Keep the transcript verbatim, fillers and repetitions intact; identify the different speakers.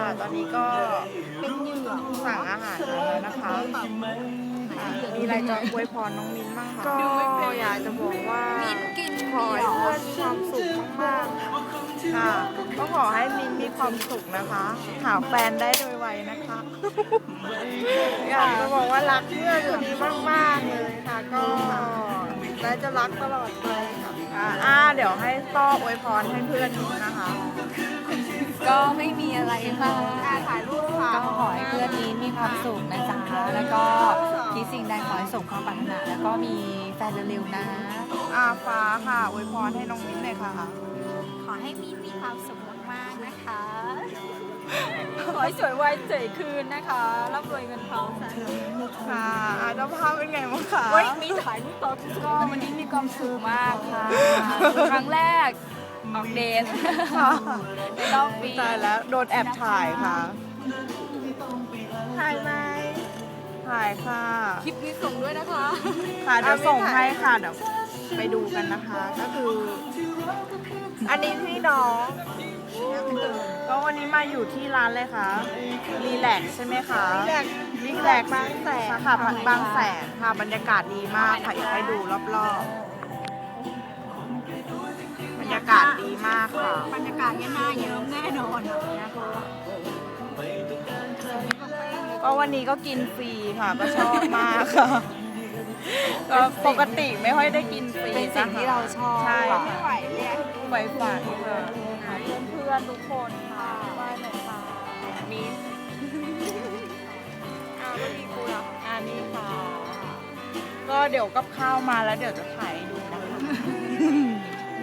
Speaker 1: ตอนนี้ก็เป็นเหยื่อสั่งอาหารมาแล้วนะคะมีอะไรจะอวยพรน้องมิ้นบ้างคะก็อยากจะบอกว่าขอให้เพื่อนมีความสุขมากๆค่ะก็ขอให้มิ้นมีความสุขนะคะหาแฟนได้โดยไวนะคะอยากจะบอกว่ารักเพื่อนคนนี้มากๆเลยค่ะก็และจะรักตลอดไปค่ะอ่าเดี๋ยวให้ต้ออวยพรให้เพื่อนนะคะ
Speaker 2: ก็ไม่มีอะไรมาก
Speaker 1: ถ่ายรูปค่ะ
Speaker 2: ก็ขอให้เพื่อนนี้มีความสุขนะจ๊ะแล้วก็คิดสิ่งใดขอให้สมความปรารถนาแล้วก็มีแฟนเร็วๆนะ
Speaker 1: อาฟ้าค่ะอวยพรให้น้องมิ้นเลยค่ะ
Speaker 2: ขอให้มีมีความสุขมากๆนะคะ ขอให้สวยวัยเจ๋ยคืนนะคะร่ำรวยเงินทองสาธุ
Speaker 1: ค่ะอาเจ้าภาพเป็นไงบ้างคะ
Speaker 2: เฮ้ยมีถ่ายรูปต่อก็วันนี้มีความสุขมากค่ะครั้งแรกออกเดท
Speaker 1: ค่ะ
Speaker 2: ในรอบปี
Speaker 1: ตายแล้วโดนแอบถ่ายค่ะ ถ่ายไหมถ่ายค่ะ
Speaker 2: คลิปนี้ส่งด้วยนะคะ
Speaker 1: ค่ะเดี๋ยวส่งให้ค่ะเดี๋ยวไปดูกันนะคะ ก็คือ อันนี้พี่น้องก็วันนี้มาอยู่ที่ร้านเลยค่ะรีแลกซ์ใช่ไหมคะรีแลกซ์รีแลกซ์บางแสนค่ะบางแสนค่ะบรรยากาศดีมากค่ะอยากให้ดูรอบๆบรรยากาศดีมากค่ะ
Speaker 2: บรรยากาศเนี้ยน่าเยิ้มแน่นอนนะคะ
Speaker 1: ก็วันนี้ก็กินฟรีค่ะก็ชอบมากค่ะก็ปกติไม่ค่อยได้กินฟรี
Speaker 2: เป็นสิ่งที่เราชอบ
Speaker 1: ใช่
Speaker 2: ค่ะ
Speaker 1: ไม่ไหวเรียกไฟฝันค่ะเพื่อนๆทุกคนค่ะไหว้หน่อยค่ะมิ้นอ่าไม่มีกูหรออ่านี่ค่ะ ก็เดี๋ยวกับข้าวมาแล้วเดี๋ยวจะถ่ายให้ดูนะคะ